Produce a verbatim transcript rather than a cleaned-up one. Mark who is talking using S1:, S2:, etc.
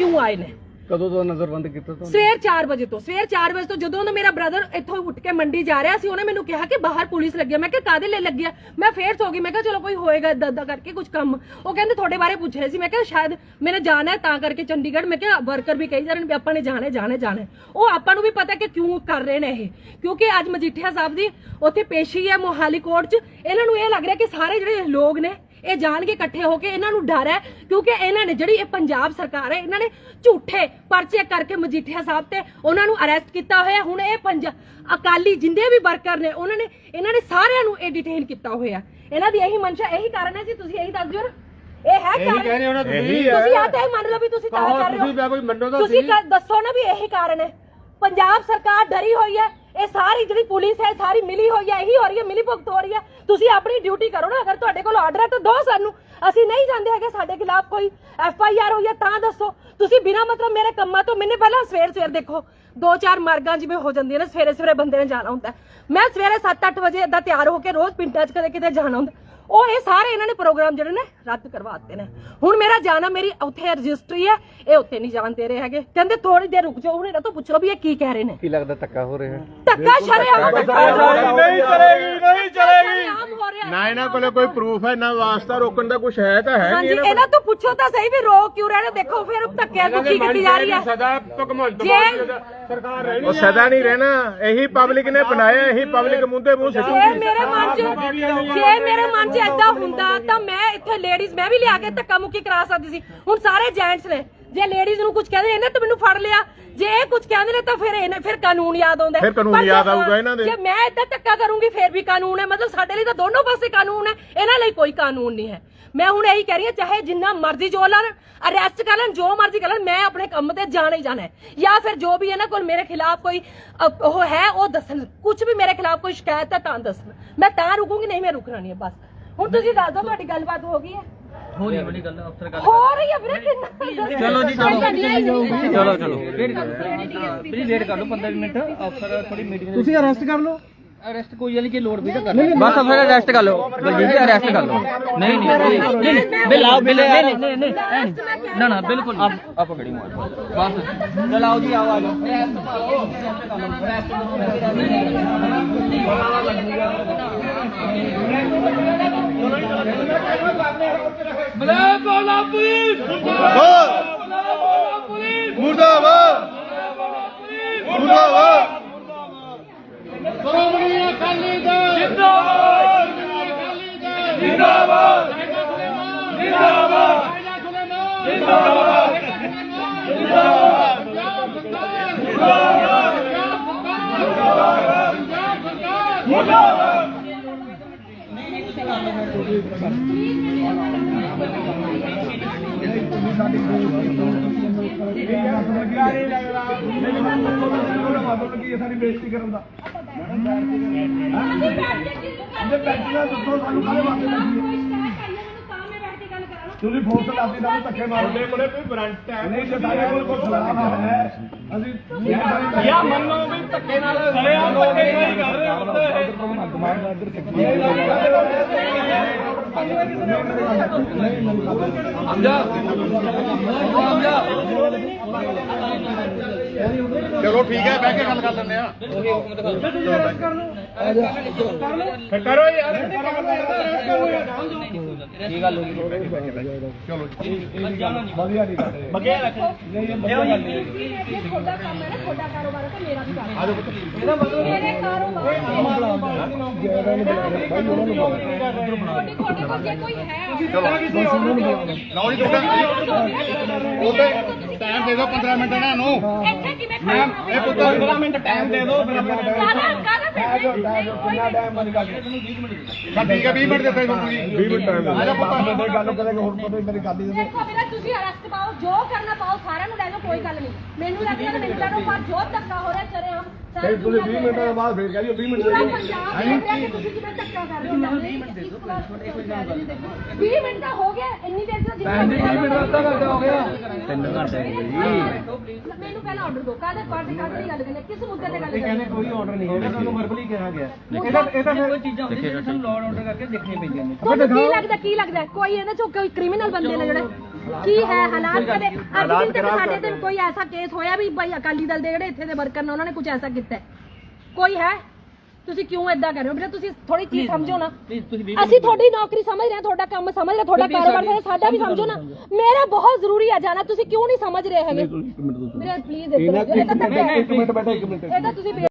S1: क्यों आए ने।
S2: कदों तो नजरबंद किया तो
S1: सवेर चार बजे तो सवेर चार बजे तो जो मेरा ब्रदर इत्थों उठ के मंडी जा रहा सी उन्हें मैंने कहा कि बाहर पुलिस लगी है। मैं कादे ले लगी है। मैं फिर सो गई। मैं चलो कोई होएगा इदा इदा करके कुछ काम। वो कहते थोड़े बारे पूछ रहे थे। मैं शायद मैंने जाना है ता करके चंडीगढ़। मैं वर्कर भी कही जा रहे हैं आपने जाने जाने जाने वो आपको भी पता कि क्यों कर रहे हैं ये क्योंकि अज मजीठिया साहब की उत्थे पेशी है मोहाली कोर्ट च। इन्होंने ये लग रहा कि सारे जो लोग ने ਇਹ ਜਾਣ ਕੇ ਇਕੱਠੇ ਹੋ ਕੇ ਇਹਨਾਂ ਨੂੰ ਡਰ ਹੈ ਕਿਉਂਕਿ ਇਹਨਾਂ ਨੇ ਜਿਹੜੀ ਇਹ ਪੰਜਾਬ ਸਰਕਾਰ ਹੈ ਇਹਨਾਂ ਨੇ ਝੂਠੇ ਪਰਚੇ ਕਰਕੇ ਮਜੀਠੀਆ ਸਾਹਿਬ ਤੇ ਉਹਨਾਂ ਨੂੰ ਅਰੈਸਟ ਕੀਤਾ ਹੋਇਆ। ਹੁਣ ਇਹ ਪੰਜਾਬ ਅਕਾਲੀ ਜਿੰਦੇ ਵੀ ਵਰਕਰ ਨੇ ਉਹਨਾਂ ਨੇ ਇਹਨਾਂ ਨੇ ਸਾਰਿਆਂ ਨੂੰ ਇਹ ਡਿਟੇਨ ਕੀਤਾ ਹੋਇਆ। ਇਹਨਾਂ ਦੀ ਇਹੀ ਮਨਸ਼ਾ ਇਹੀ ਕਾਰਨ ਹੈ ਜੀ ਤੁਸੀਂ ਇਹੀ ਦੱਸ ਦਿਓ ਨਾ ਇਹ ਹੈ ਕਾਰਨ ਤੁਸੀਂ ਆ ਤਾਂ ਮੰਨ ਲਓ ਵੀ ਤੁਸੀਂ ਤਾਂ ਕਰ ਰਹੇ ਹੋ ਤੁਸੀਂ ਦੱਸੋ ਨਾ ਵੀ ਇਹੀ ਕਾਰਨ ਹੈ। ਪੰਜਾਬ ਸਰਕਾਰ ਡਰੀ ਹੋਈ ਹੈ। ਇਹ ਸਾਰੀ ਜਿਹੜੀ ਪੁਲਿਸ ਹੈ ਸਾਰੀ ਮਿਲੀ ਹੋਈ ਹੈ ਇਹੀ ਹੋ ਰਹੀ ਹੈ ਮਿਲੀ ਭੁਗਤ ਹੋ ਰਹੀ ਹੈ। ਤੁਸੀਂ ਆਪਣੀ ਡਿਊਟੀ ਕਰੋ ਨਾ ਅਗਰ ਤੁਹਾਡੇ ਕੋਲ ਆਰਡਰ ਹੈ ਤਾਂ ਦੋ ਸਾਨੂੰ ਅਸੀਂ ਨਹੀਂ ਜਾਂਦੇ ਹੈਗੇ ਸਾਡੇ ਖਿਲਾਫ ਕੋਈ ਐਫ ਆਈ ਆਰ ਹੋਈ ਹੈ ਤਾਂ ਦੱਸੋ। ਤੁਸੀਂ ਬਿਨਾਂ ਮਤਲਬ ਮੇਰੇ ਕੰਮਾਂ ਤੋਂ ਮੈਨੇ ਪਹਿਲਾਂ ਸਵੇਰ ਸਵੇਰ ਦੇਖੋ ਦੋ ਚਾਰ ਮਾਰਗਾਂ ਜਿਵੇਂ ਹੋ ਜਾਂਦੀਆਂ ਨੇ ਸਵੇਰੇ ਸਵੇਰੇ ਬੰਦੇ ਨੇ ਜਾਣਾ ਹੁੰਦਾ। ਮੈਂ ਸਵੇਰੇ ਸੱਤ ਅੱਠ ਵਜੇ ਏਦਾਂ ਤਿਆਰ ਹੋ ਕੇ ਰੋਜ਼ ਪਿੰਡਾਂ 'ਚ ਕਦੇ ਕਿਤੇ ਜਾਣਾ ਹੁੰਦਾ। ਉਹ ਇਹ ਸਾਰੇ ਇਹਨਾਂ ਨੇ ਪ੍ਰੋਗਰਾਮ ਜਿਹੜੇ ਨੇ ਰੱਦ ਕਰਵਾ ਦਿੱਤੇ ਨੇ। ਹੁਣ ਮੇਰਾ ਜਾਣਾ ਮੇਰੀ ਉੱਥੇ ਰਜਿਸਟਰੀ ਹੈ ਇਹ ਉੱਥੇ ਨਹੀਂ ਜਾਣ ਦੇ ਰਹੇ ਹੈਗੇ। ਕਹਿੰਦੇ ਥੋੜੀ ਦੇਰ ਰੁਕ ਜਾਓ। ਹੁਣ ਇਹਨਾਂ ਤੋਂ ਪੁੱਛ ਲਓ ਵੀ ਇਹ ਕੀ ਕਹਿ ਰਹੇ ਨੇ।
S2: ਕੀ ਲੱਗਦਾ ਧੱਕਾ ਹੋ ਰਿਹਾ ਹੈ?
S1: ਧੱਕਾ ਸ਼ਰੇਆਮ
S3: ਨਹੀਂ ਚਲੇਗੀ ਨਹੀਂ ਚਲੇਗੀ ਨਾ ਇਹਨਾਂ ਕੋਲੇ ਕੋਈ ਪ੍ਰੂਫ ਹੈ ਨਾ ਵਾਸਤਾ ਰੋਕਣ ਦਾ ਕੁਝ ਹੈ ਤਾਂ ਹੈ
S1: ਨਹੀਂ। ਇਹਨਾਂ ਤੋਂ ਪੁੱਛੋ ਤਾਂ ਸਹੀ ਵੀ ਰੋਕ ਕਿਉਂ ਰਹੇ ਨੇ। ਦੇਖੋ ਫਿਰ ਧੱਕਿਆਂ ਦੁੱਕੀ ਕੀਤੀ ਜਾ ਰਹੀ ਹੈ।
S3: ਸਦਾ ਭਗਵੰਤ ਮਾਨ ਸਰਕਾਰ ਰਹਿਣੀ ਉਹ ਸਦਾ ਨਹੀਂ ਰਹਿਣਾ। ਇਹੀ ਪਬਲਿਕ ਨੇ ਬਣਾਇਆ ਇਹੀ ਪਬਲਿਕ ਮੁੰਦੇ ਮੂੰਹ ਸਿੱਟੂਗੀ।
S1: ਮੇਰੇ ਮਨ 'ਚ ਜੇ ਮੇਰੇ ਮਨ 'ਚ ਏਦਾਂ ਹੁੰਦਾ ਤਾਂ ਮੈਂ ਇੱਥੇ ਲੇਡੀਜ਼ ਮੈਂ ਵੀ ਲਿਆ ਕੇ ਧੱਕਾ ਮੁੱਕੀ ਕਰਾ ਸਕਦੀ ਸੀ। ਹੁਣ ਸਾਰੇ ਜੈਂਟਸ ਨੇ ਜੇ ਲੇਡੀਜ਼ ਨੂੰ ਕੁਝ ਕਹਿੰਦੇ ਇਹਨੇ ਤਾਂ ਮੈਨੂੰ ਫੜ ਲਿਆ। ਜੇ ਇਹ ਕੁਝ ਕਹਿੰਦੇ ਨੇ ਤਾਂ ਫਿਰ ਇਹਨੇ ਫਿਰ ਕਾਨੂੰਨ ਯਾਦ ਆਉਂਦਾ
S3: ਫਿਰ ਕਾਨੂੰਨ ਯਾਦ ਆਊਗਾ ਇਹਨਾਂ ਦੇ।
S1: ਜੇ ਮੈਂ ਏਦਾਂ ਧੱਕਾ ਕਰੂੰਗੀ ਫਿਰ ਵੀ ਕਾਨੂੰਨ ਹੈ। ਮਤਲਬ ਸਾਡੇ ਲਈ ਤਾਂ ਦੋਨੋਂ ਪਾਸੇ ਕਾਨੂੰਨ ਹੈ ਇਹਨਾਂ ਲਈ ਕੋਈ ਕਾਨੂੰਨ ਨਹੀਂ ਹੈ। ਮੈਂ ਹੁਣ ਇਹੀ ਕਹਿ ਰਹੀ ਹਾਂ ਚਾਹੇ ਜਿੰਨਾ ਮਰਜ਼ੀ ਜੋ ਲੈਣ ਅਰੈਸਟ ਕਰ ਲੈਣ ਜੋ ਮਰਜ਼ੀ ਕਰ ਲੈਣ ਮੈਂ ਆਪਣੇ ਕੰਮ ਤੇ ਜਾਣਾ ਹੀ ਜਾਣਾ ਹੈ। ਜਾਂ ਫਿਰ ਜੋ ਵੀ ਇਹਨਾਂ ਕੋਲ ਮੇਰੇ ਖਿਲਾਫ ਕੋਈ ਉਹ ਹੈ ਉਹ ਦੱਸਣ ਕੁਝ ਵੀ ਮੇਰੇ ਖਿਲਾਫ ਕੋਈ ਸ਼ਿਕਾਇਤ ਹੈ ਤਾਂ ਦੱਸਣ ਮੈਂ ਤਾਂ ਰੁਕੂੰਗੀ ਨਹੀਂ ਮੈਂ ਰੁਕਣਾ ਨਹੀਂ ਹੈ ਬਸ। ਹੁਣ ਤੁਸੀਂ ਦੱਸ ਦਿਓ ਤੁਹਾਡੀ ਗੱਲਬਾਤ ਹੋ ਗਈ ਹੈ
S4: ਹੋ ਰਹੀ ਹੈ ਬੜੀ ਗੱਲ ਅਫਸਰ ਗੱਲ
S1: ਹੋ ਰਹੀ ਹੈ ਵੀਰੇ
S4: ਚਲੋ ਜੀ ਚਲੋ ਚਲੋ ਚਲੋ ਵੇਟ ਕਰ ਲਓ ਪਲੀਜ਼ ਵੇਟ ਕਰ ਲਓ ਪੰਦਰਾਂ ਮਿੰਟ ਅਫਸਰ ਥੋੜੀ ਮੀਟਿੰਗ
S2: ਤੁਸੀਂ ਅਰੈਸਟ ਕਰ ਲਓ।
S4: ਅਰੈਸਟ ਕੋਈ ਵਾਲੀ ਜੇ ਲੋੜ ਵੀ ਤਾਂ ਕਰ ਲਓ ਬਸ ਅਫਸਰ ਅਰੈਸਟ ਕਰ ਲਓ ਬਲਜੀਤ ਜੀ ਅਰੈਸਟ ਕਰ ਲਓ। ਨਹੀਂ ਨਹੀਂ ਨਹੀਂ ਬਿਲਾਓ ਬਿਲੇ ਨਹੀਂ ਨਹੀਂ ਨਹੀਂ ਨਾ ਨਾ ਬਿਲਕੁਲ ਆਪ ਆਪ ਗੜੀ ਮਾਰ ਬਸ ਚਲਾਓ ਜੀ ਆਓ ਆ ਜਾਓ ਬਲੇ ਬੋਲਾ ਪੁਲਿਸ
S3: ਮੁਰਦਾਬਾਦ ਮੁਰਦਾਬਾਦ ਸ਼੍ਰੋਮਣੀ ਅਕਾਲੀ ਦਲ ਜਿੰਦਾਬਾਦ ਜਿੰਦਾਬਾਦ ਜਿੰਦਾਬਾਦ ਜਿੰਦਾਬਾਦ
S2: ਸਾਡੀ ਬੇਇੱਜ਼ਤੀ ਕਰਨ ਦਾ ਦੱਸੋ ਸਾਨੂੰ ਕਾਹਦੇ ਵਾਸਤੇ ਤੁਸੀਂ ਫੋਰਸ ਲਾਤੀ ਦਾ ਧੱਕੇ ਮਾਰਦੇ ਕੋਲੇ ਕੋਈ ਵਾਰੰਟ ਹੈ ਨਹੀਂ ਜੇ ਸਾਡੇ ਕੋਲ ਕੋਈ ਖਿਲਾਫ ਹੈ ਅਸੀਂ ਯਾ ਮੰਨੋ ਵੀ ਧੱਕੇ ਨਾਲ ਸਰੇ ਆ ਧੱਕੇ ਨਹੀਂ ਕਰ ਰਹੇ ਹੁੰਦੇ
S4: ਸਮਝਾ ਸਮਝਾ
S3: ਚਲੋ ਠੀਕ ਹੈ ਬਹਿ ਕੇ ਗੱਲ ਕਰ ਲੈਂਦੇ ਆ ਕਰੋ ਯਾਰ
S4: ਕੀ ਗੱਲ ਹੋ ਗਈ
S3: ਚਲੋ
S2: ਵਧੀਆ ਨਹੀਂ ਕਰਦੇ
S4: ਬੱਗੇ ਰੱਖੋ
S1: ਤੁਹਾਡਾ ਕੰਮ ਹੈ ਨਾ ਤੁਹਾਡਾ ਕਾਰੋਬਾਰ ਹੈ ਤਾਂ ਮੇਰਾ ਵੀ ਕਾਰੋਬਾਰ ਹੈ ਮੇਰੇ ਕਾਰੋਬਾਰ ਤੁਹਾਡੇ ਕੋਲ ਜੇ ਕੋਈ ਹੈ
S3: ਲਓ ਜੀ ਉਹਦੇ ਟਾਈਮ ਦੇ ਦਿਓ ਪੰਦਰਾਂ ਮਿੰਟ ਇਹਨਾਂ ਨੂੰ
S1: ਇੱਥੇ ਕਿਵੇਂ
S3: ਮੈਮ ਇਹ ਪੁੱਤਰ ਪੰਦਰਾਂ ਮਿੰਟ ਟਾਈਮ ਦੇ ਦਿਓ
S1: ਕਾਹਦਾ ਕਾਹਦਾ
S2: ਕਿੰਨਾ ਟਾਈਮ ਬਣ ਗਿਆ
S3: ਠੀਕ ਹੈ ਵੀਹ ਮਿੰਟ ਦਿੱਤੇ ਤੁਹਾਨੂੰ ਜੀ ਵੀਹ ਮਿੰਟ ਟਾਈਮ ਦੇ ਦਿਓ
S2: ਪੁੱਤ ਗੱਲ ਕਰਾਂਗੇ ਹੁਣ ਪਤਾ ਮੇਰੀ ਗੱਲ ਹੀ
S1: ਦੇਖੋ ਵੀਰੇ ਤੁਸੀਂ ਅਰੈਸਟ ਪਾਓ ਜੋ ਕਰਨਾ ਪਾਓ ਸਾਰਿਆਂ ਨੂੰ ਲੈ ਜਾਓ ਕੋਈ ਗੱਲ ਨਹੀਂ ਮੈਨੂੰ ਲੱਗਦਾ ਮੈਨੂੰ ਲੱਗਦਾ ਪਰ ਜੋ ਧੱਕਾ ਹੋ ਰਿਹਾ ਚਰੇ ਹਮ
S2: ਫਿਰ ਤੁਸੀਂ ਵੀਹ ਮਿੰਟਾਂ ਦੇ ਬਾਅਦ ਫੇਰ ਕਹਿ ਦਿਓ ਵੀਹ ਮਿੰਟ ਦੇ ਦਿਓ।
S1: ਤੁਸੀਂ ਕਿਵੇਂ ਧੱਕਾ ਕਰ ਰਹੇ ਹੋ ਵੀਹ ਮਿੰਟ ਦੇ ਦਿਓ ਵੀਹ ਮਿੰਟ ਦਾ ਹੋ ਗਿਆ ਇੰਨੀ ਦੇਰ ਤੋਂ
S2: ਭੈਣ ਜੀ ਵੀਹ ਮਿੰਟ ਦਾ ਅੱਧਾ ਘੰਟਾ ਹੋ ਗਿਆ
S3: ਤਿੰਨ ਘੰਟੇ ਹੋ ਗਏ ਜੀ
S1: ਮੈਨੂੰ ਪਹਿਲਾਂ ਆਰਡਰ ਦਿਓ ਕਾਹਦੇ ਕਾਹਦੇ ਕਾਹਦੇ ਦੀ ਗੱਲ ਕਰਨੀ ਕਿਸ ਮੁੱਦੇ ਤੇ ਗੱਲ ਕਰਨੀ
S2: ਕੋਈ ਆਰਡਰ ਨਹੀਂ ਹੈਗਾ ਤੁਹਾਨੂੰ ਵਰਬਲੀ ਕਿਹਾ ਗਿਆ
S1: ਇਹਦਾ
S2: ਇਹਦਾ
S4: ਕੋਈ ਚੀਜ਼ਾਂ ਹੁੰਦੀਆਂ ਜਿਹੜੀਆਂ ਸਾਨੂੰ ਲਾਅ ਆਰਡਰ ਕਰਕੇ ਦੇਖਣੀਆਂ ਪੈਂਦੀਆਂ ਨੇ
S1: ਤੁਹਾਨੂੰ ਕੀ ਲੱਗਦਾ ਕੀ ਲੱਗਦਾ ਕੋਈ ਇਹਨਾਂ ਚੋਂ ਕੋਈ ਕ੍ਰਿਮੀਨਲ ਬੰਦੇ ਨੇ ਜਿਹੜੇ ਕੀ ਹੈ ਹਾਲਾਤ ਕਦੇ ਅੱਜ ਦਿਨ ਤੱਕ ਸਾਡੇ ਤੇ ਕੋਈ ਐਸਾ ਕੇਸ ਹੋਇਆ ਵੀ ਭਾਈ ਅਕਾਲੀ ਦਲ ਦੇ ਜਿਹੜੇ ਇੱਥੇ ਦੇ ਵਰਕਰ ਨੇ ਉਹਨਾਂ ਨੇ ਕੁਝ ਐਸਾ ਕੀਤਾ ਹੈ? ਕੋਈ ਹੈ? ਤੁਸੀਂ ਕਿਉਂ ਏਦਾਂ ਕਰ ਰਹੇ ਹੋ ਬੇਟਾ ਤੁਸੀਂ ਥੋੜੀ ਚੀਜ਼ ਸਮਝੋ ਨਾ ਅਸੀਂ ਤੁਹਾਡੀ ਨੌਕਰੀ ਸਮਝ ਰਹੇ ਹਾਂ ਤੁਹਾਡਾ ਕੰਮ ਸਮਝ ਰਹੇ ਹਾਂ ਤੁਹਾਡਾ ਕਾਰੋਬਾਰ ਸਮਝ ਸਾਡਾ ਵੀ ਸਮਝੋ ਨਾ ਮੇਰਾ ਬਹੁਤ ਜ਼ਰੂਰੀ ਆ ਜਾਣਾ ਤੁਸੀਂ ਕਿਉਂ ਨਹੀਂ ਸਮਝ ਰਹੇ ਹੈਗੇ ਮੇਰੇ ਪਲੀਜ਼
S2: ਇੱਕ ਮਿੰਟ ਬੈਠਾ ਇੱਕ ਮਿੰਟ
S1: ਇਹ ਤਾਂ ਤੁਸੀਂ